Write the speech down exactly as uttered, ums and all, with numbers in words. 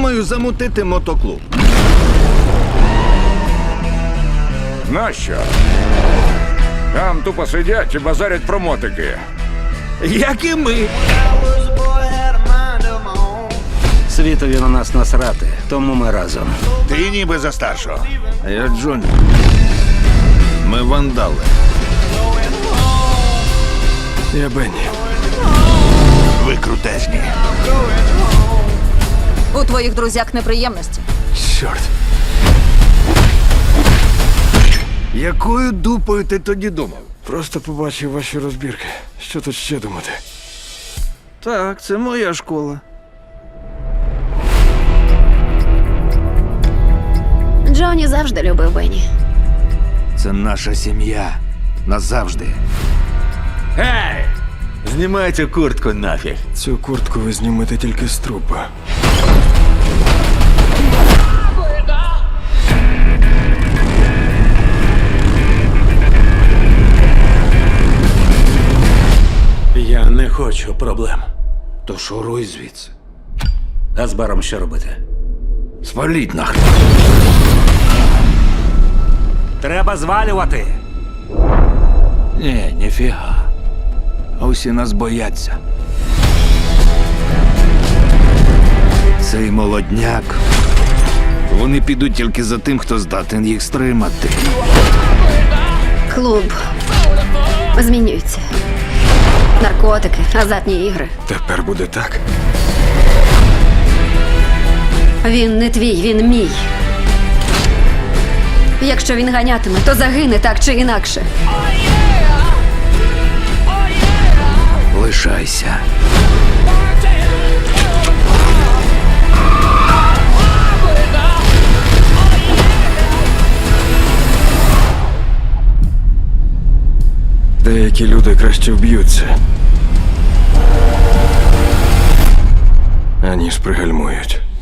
Думаю, замутити мотоклуб. Нащо? Там тупо сидять і базарять про мотики. Як і ми. Світові на нас насрати, тому ми разом. Ти ніби за старшого. А я Джонні. Ми вандали. Я Бенні. Ви крутезні. У твоїх друзяк неприємності. Чорт. Якою дупою ти тоді думав? Просто побачив ваші розбірки. Що тут ще думати? Так, це моя школа. Джонні завжди любив Бенні. Це наша сім'я. Назавжди. Гей! Знімайте куртку нафіг. Цю куртку ви знімете тільки з трупа. Я не хочу проблем. То шуруй звідси. А з баром що робити? Сваліть нахрен. Треба звалювати. Ні, ніфіга. А усі нас бояться. Цей молодняк. Вони підуть тільки за тим, хто здатен їх стримати. Клуб змінюється. Наркотики, азартні ігри. Тепер буде так. Він не твій, він мій. Якщо він ганятиме, то загине так чи інакше. Лишайся. Деякі люди краще вб'ються, аніж пригальмують.